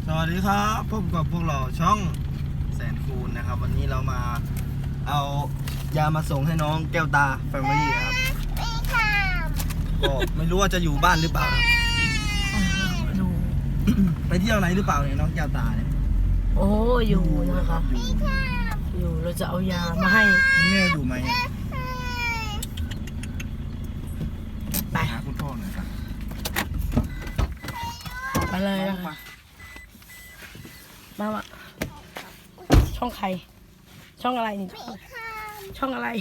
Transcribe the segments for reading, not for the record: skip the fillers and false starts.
สวัสดีครับพบกับพวกเราช่องแสนคูณนะครับวันนี้เรามาเอายามาส่งให้น้องแก้วตาแฟมิลี่ครับก็ไม่รู้ว่าจะอยู่บ้านหรือเปล่านะไปเที่ยวไหนหรือเปล่าเนี่ยน้องแก้วตาเนี่ยโอ้อยู่นะคะอยู่เราจะเอายามาให้แม่อยู่ไหมไปหาคุณพ่อหน่อยครับไปเลยนะคะมาช่องใครช่องอะไรนี่ช่องอะไร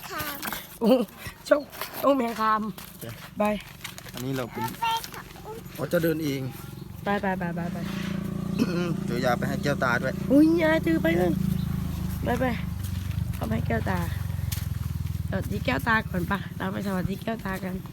ช่องแมงคามไปอันนี้เราเป็นเราจะเดินเองไปเดี๋ยวยาไปให้แก้วตาด้วยอุ้ยยายถือไปเลยไปเอาไปให้แก้วตาสวัสดีแก้วตาก่อนปะเราไปสวัสดีแก้วตากัน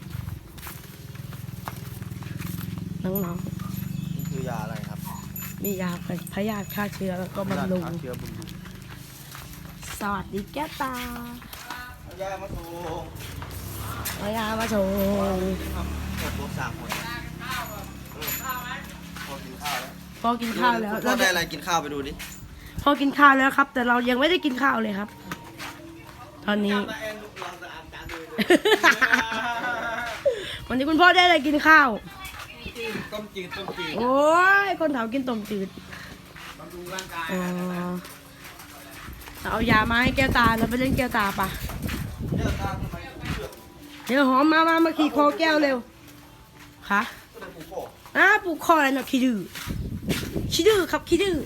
น้องนี่คือยาอะไรครับๆมียาเป็นพยาธิฆ่าเชื้อแล้วก็บำรุงฆ่าเชื้อบำรุงสวัสดีแก้วตาเอายามาส่งเอายามาโชว์ครอบครัวสามคนพอกินข้าวแล้วพ่อกินข้าวแล้วพ่อได้อะไรกินข้าวไปดูดิพ่อกินข้าวแล้วครับ แต่เรายังไม่ได้กินข้าวเลยครับ ตอนนี้ วันนี้คุณพ่อได้อะไรกินข้าวต้มจืดโอ้ยคนเฒ่ากินต้มจืดบำรุงร่างกายอ๋อเอายามาให้แก้วตาแล้วไปเล่นแก้วตาปะเลือกตามทำไมเลือกเดี๋ยวหอมมาขี่คอแก้วเร็วค่ะก็ได้ผูกคอปลูกคออะไรเนาะขี้ดื้อครับขี้ดื้อ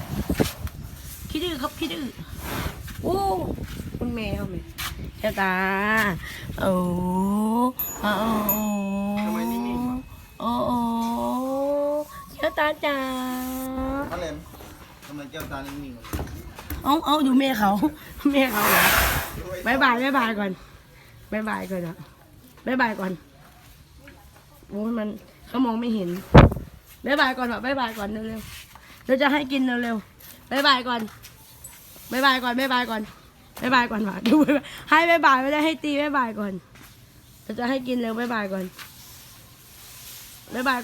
ครับขี้ดื้อโอ้คุณแมวแก้วตาโอ้โอ้ทำไมนิ่งๆวะโอ้แก้วตาจ๋ามาเล่นทำไมแก้วตานิ่งๆวะเอาดูแม่เขาเหรอบายบายก่อนบายบายก่อนนะบายบายก่อนโอ้ยมันเขามองไม่เห็นบายบายก่อนบายบายก่อนเร็วๆเราจะให้กินเร็วๆบายบายก่อนบายบายก่อนว่ะดูให้บายบายไม่ได้ให้ตีบายบายก่อนเราจะให้กินเร็วบายบายก่อนเร็วบาย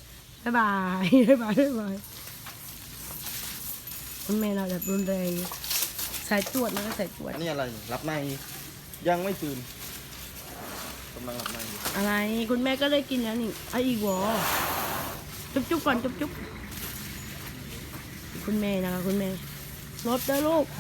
คุณแม่เราแบบรุนแรงสายตรวจมันก็สายตรวจอันนี้อะไรรับในยังไม่ตื่นกำลังหลับในอยู่อะไรคุณแม่ก็ได้กินแล้วนี่เอาอีกวอจุ๊บก่อนจุ๊บคุณแม่นะคะคุณแม่รถเด้อลูก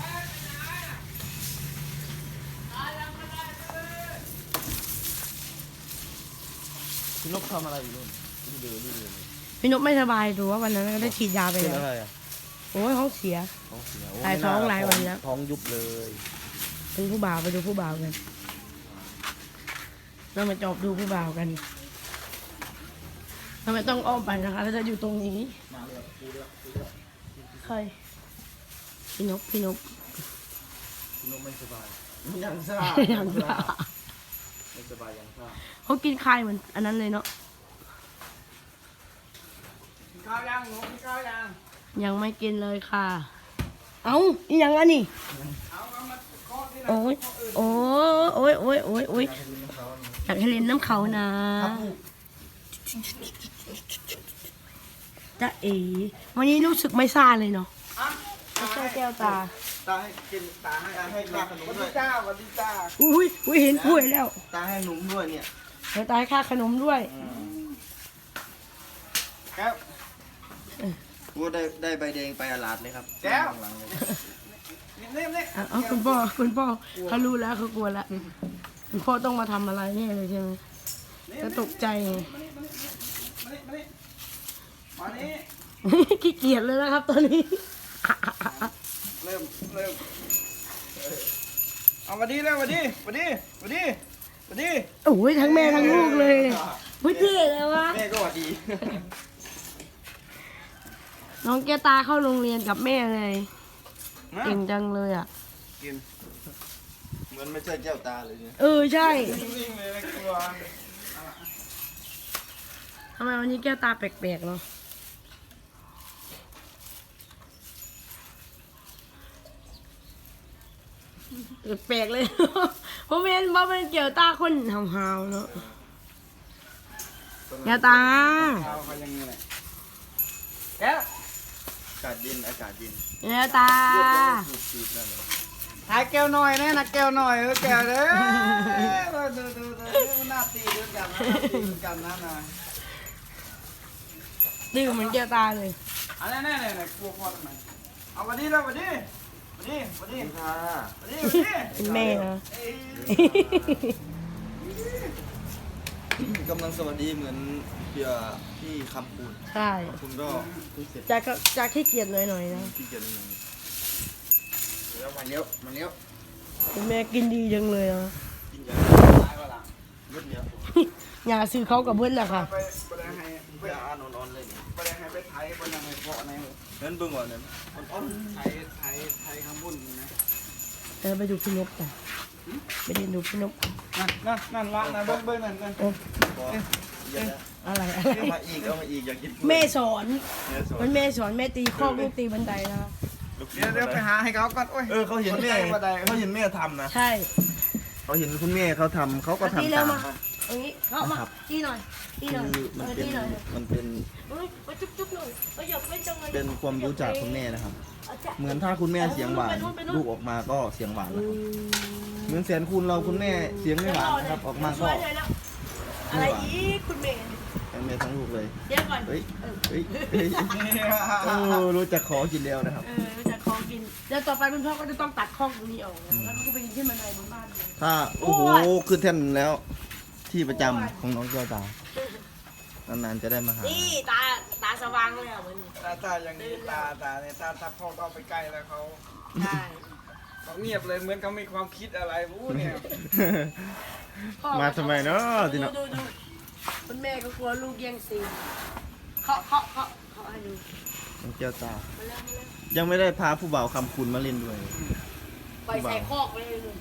พี่นกทำอะไรอยู่นู่นนี่เดือดเลยพี่นกไม่สบายดูว่าวันนั้นก็ได้ฉีดยาไปเป็นแล้วอะไรอ่ะโอ้ยท้องเสียท้องเสียหลายท้องหลายวันแล้วท้องยุบเลยเป็นผู้บ่าวไปดูผู้บ่าวกันเรามาจอบดูผู้บ่าวกันทำไมต้องอ้อมไปนะคะเราจะอยู่ตรงนี้ใครพี่นกพี่นกไม่สบายยังซ่ายังซ่าไม่สบายยังซ่าเขากินคายเหมือนอันนั้นเลยเนาะข้าวยังหนูกินข้าวยังยังไม่กินเลยค่ะ เอาอีหยังอันนี้โอ้ยอยากให้เล่นน้ำเขานะจ๊ะเอ๋วันนี้รู้สึกไม่ซ่าเลยเนาะไม่ใช่แก้วตาตาให้กินตาให้ค่าขนมด้วยวันดีจ้าอุ้ยเห็นป่วยแล้วตาให้ขนมด้วยเนี่ยเดี๋ยวตายค่าขนมด้วยครับกูได้ใบแดงไปอาลาดเลยครับแก้วหลังเลยเอาคุณพ่อเขารู้แล้วเขากลัวแล้วคุณพ่อต้องมาทำอะไรเนี่ยเลยใช่ไหมจะตกใจไงมานี่ขี้เกียจเลยนะครับตอนนี้เริ่มเอาวันดีแล้ววันดีโอ้ยทั้งแม่ทั้งลูกเลยไม่เท่เลยวะแม่ก็หวัดดีน้องแก้วตาเข้าโรงเรียนกับแม่เลยเก่งจังเลยอ่ะกินเหมือนไม่ใช่แก้วตาเลยเนี่ยใช่นิ่งๆเลยกลัวทำไมวันนี้แก้วตาแปลกๆเนาะแปลกเลย ผมเห็นว่าเป็นแก้วตาคนหาวๆเนาะแก้วตาเอาไปยังไงแก้วาศเย็นอากาศเย็นเนี่ยตาสูดๆนั่นเลยหายแก้วหน่อยแน่นะแก้วหน่อยแก้วเด้อดูหน้าตีดูกันนะตีดูกันนะนะดื้อเหมือนแก้วตาเลยอันนี้กลัวพ่อทำไมเอาวันนี้แล้ววันนี้ค่ะเป็นแม่นะกำลังสวัสดีเหมือนเพื่อพี่คำปูนใช่คุณก็เพิ่งเสร็จจะขี้เกียจหน่อยๆนะที่เกียรติหนึ่งแล้วมาเลี้ยวเป็นแม่กินดีจังเลยอ่ะกินยาตายว่าล่ะเลือดเนี้ยอย่าซื้อเขากับเบิ้ลแหละค่ะไปแดงให้เพื่ออ่านอ่อนๆเลยเนี่ยไปแดงให้ไปไทยไปแดงให้เพาะในนั้นเบิ่งก่อนเนี่ยอ่อนไทยคำบุญนะไปดูพี่นกกันไปเรียนดูพี่นกนั่นละนะเบิ้งนั่นเออๆพอเยอะแล้วอะไรเอามาอีกอยากกินแม่สอนแม่สอนมันแม่สอนแม่ตีข้อลูกตีบันไดนะเดี๋ยวไปหาให้เขาก่อนโอ้ยเขาเห็นแม่ทำนะใช่เขาเห็นคุณแม่เขาทำเขาก็ตีทำเร็วตามมาตรงนี้เข้ามาตีหน่อยตีหน่อยคือมันเป็นตีหน่อยมันเป็นเฮ้ยไปจุ๊บๆหน่อยไปหยบไม่จังเลยเป็นความรู้จากคุณแม่นะครับ เหมือนถ้าคุณแม่เสียงหวานลูกออกมาก็เสียงหวานนะครับเหมือนแสนคูณเราคุณแม่เสียงไม่หวานนะครับออกมาก็อะไรอีกคุณเมย์ทั้งแม่ทั้งลูกเลยเดี๋ยวก่อนเฮ้ยรู้จักขอกินแล้วนะครับจะคลองกินเดี๋ยวต่อไปคุณพ่อก็จะต้องตัดข้องตรงนี้ออกนะแล้วก็ไปกินที่บันไดบนบ้านเลยถ้าโอ้โหขึ้นแท่นแล้ว ที่ประจำของน้องเจ้าตานานๆจะได้มาหานี่ตาสว่างเลยอ่ะวันนี้ตาอย่างนี้ตาเนี่ยตาพ่อก็ไปใกล้แล้วเขาใช่เขาเงียบเลยเหมือนเขามีความคิดอะไรวู้เนี่ยมาทำไมเนาะทีเนาะดูคุณแม่ก็กลัวลูกแย่งซีนเคาะให้ดูน้องเจ้าตามาแล้วยังไม่ได้พาผู้บ่าวคำคุณมาเล่นด้วยปล่อยใส่คอกไปเลยลุง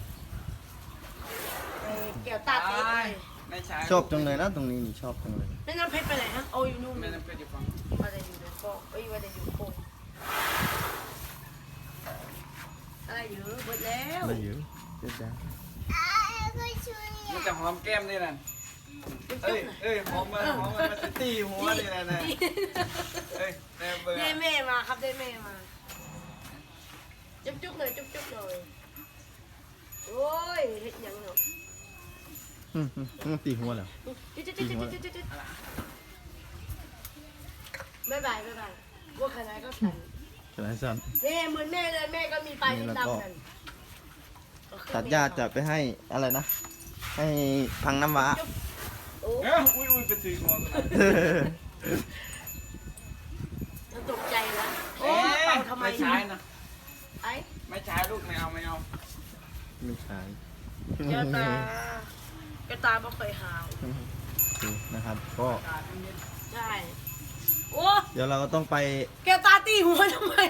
เกี่ยวตาตีไปไม่ใช่ชอบจังเลยนะตรงนี้นี่ชอบจังเลยแล้วน้ำเพชรไปไหนฮะโอ้ยนู่นแม่น้ำเพชรอยู่ฝั่งว่าจะอยู่ในคอกว่าจะอยู่โคกอะไรอยู่หมดแล้วไม่อยู่เจ้าตามันจะหอมแก้มนี่นั่นเอ้ยหอมมันจะตีหัวนี่นั่นนะเอ้ยแม่เบื่อได้แม่มาครับได้แม่มาจุ๊บเลยจุ๊บเลยโอ้ยเฮ็ดยังเนาะตีหัวแล้วบ๊ายบายว่าขนาดก็สั่นฉะนั้นสั้นนี่เหมือนแม่เลยแม่ก็มีปลายดำๆกันตัดหญ้าจะไปให้อะไรนะ ให้พังน้ำว้าโอ้อุ้ยไปตีหัวตกใจนะโอ้เป่าทำไมไม่ใช่นะไอ้ไม่ใช่ลูกไม่เอาไม่ใช่เจ้าตาไม่เคยหาวนะครับ ก็ใช่โอ้เดี๋ยวเราก็ต้องไปแกตาตีหัวทำไม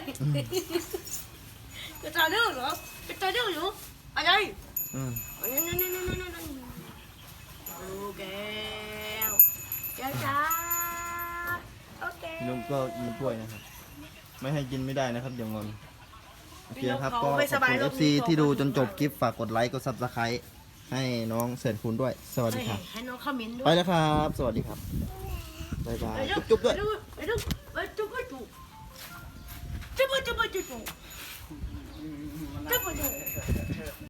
แกตาดื้อเหรอแกตาดื้ออยู่อะไรอืมนั่นโอ้แก้วจ้าโอเคลุงก็กินถ้วยนะครับ ไม่ให้กินไม่ได้นะครับ เดี๋ยวงอนโอเคครับก็ขอบคุณ FC ที่ดูจนจบคลิปฝากกดไลค์กด Subscribe ให้น้องเสร็จคุณด้วย สวัสดีครับให้น้องคอมเมนต์ด้วไปยแล้วครับ สวัสดีครับ บ๊ายบาย จุ๊บๆด้วยไปดูจุ๊บจุ๊บ